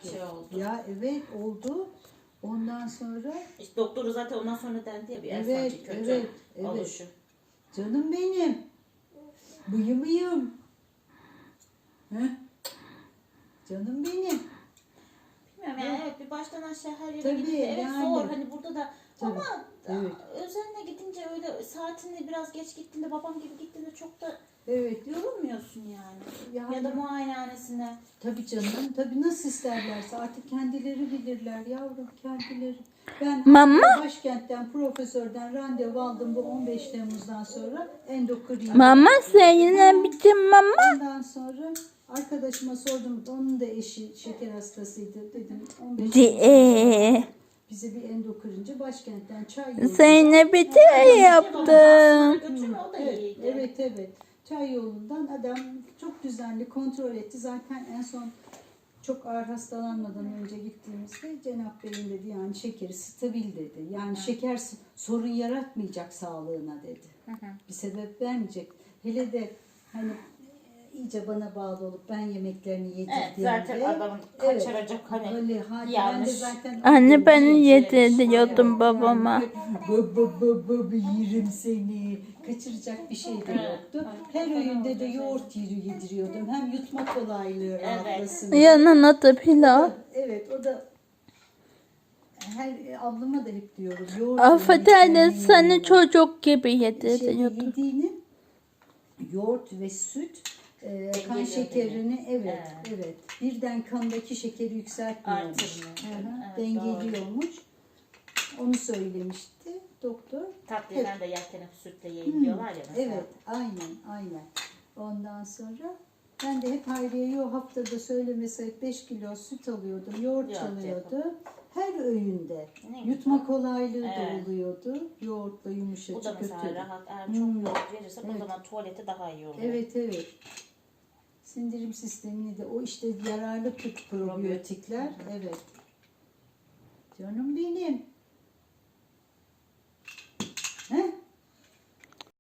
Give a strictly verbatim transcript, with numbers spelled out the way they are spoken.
şey oldu. Ya evet oldu. Ondan sonra İşte doktoru zaten ondan sonra dendi ya bir evet, evet, kötü evet, evet. oluşu. Canım benim. Bıyım bıyım. Heh. Canım benim. Bilmiyorum yani evet bir baştan aşağı her yere Tabii, gidince evet yani. zor hani burada da Tabii, ama evet. özenle gidince öyle saatinde biraz geç gittiğinde babam gibi gittiğinde çok da Evet. yorulmuyorsun yani. Yani, Ya da muayenehanesine. tabii canım. Tabii nasıl isterlerse artık kendileri bilirler yavrum kendileri. Ben Mama? başkentten profesörden randevu aldım bu on beş Temmuz'dan sonra endokrin. Mama seninle bitim mama. Ondan sonra arkadaşıma sordum. Onun da eşi şeker hastasıydı. Dedim on beş Di bize bir endokrinci başkentten çay yolladı. Seninle bitim yaptım. Götürme o da Evet, iyiydi. evet evet. Çay yolundan adam çok düzenli kontrol etti. Zaten en son çok ağır hastalanmadan önce gittiğimizde Cenap Bey'in dedi yani şekeri stabil dedi. Yani şeker s- sorun yaratmayacak sağlığına dedi. Hı hı. Bir sebep vermeyecek. Hele de hani e, iyice bana bağlı olup ben yemeklerini yedirdiğimde. Evet zaten adamın kaçıracak hani Öyle, hadi ben de yanlış. zaten Anne ben Şey, yediriyordum babama. Baba baba yerim seni. Kaçıracak bir şey de yoktu. Her öğünde de yoğurt yeri yediriyordum. Hem yutma kolaylığı rahatlasın. Yanına da pilav. Evet o da her ablama da hep diyorum. Yoğurt Affedersin yemeklerinin seni yanına. çocuk gibi Şey, yediriyordum. yediğini yoğurt ve süt e, kan Dengeliyor şekerini evet Evet. evet birden kandaki şekeri yükseltmiyormuş. Artırmıyor. Hı hı, Evet, dengeliyormuş. Onu söylemişti doktor. Tatlıyla da yerken sütle yiyin diyorlar ya mesela. Evet, aynen, aynen. Ondan sonra ben de hep Hayriye'ye o haftada söylemese beş kilo süt alıyordum, yoğurt Yoğurt çalıyordu. Her öğünde Ne yutma güzel. kolaylığı da Evet. oluyordu. Yoğurtla Bu yumuşacık da mesela götürdüm. rahat. Eğer Hmm. çok yoğurt verirsek Evet. o zaman tuvalete daha iyi oluyor. Evet, evet. Sindirim sistemini de o işte yararlı pr- probiyotikler. Evet. Canım benim.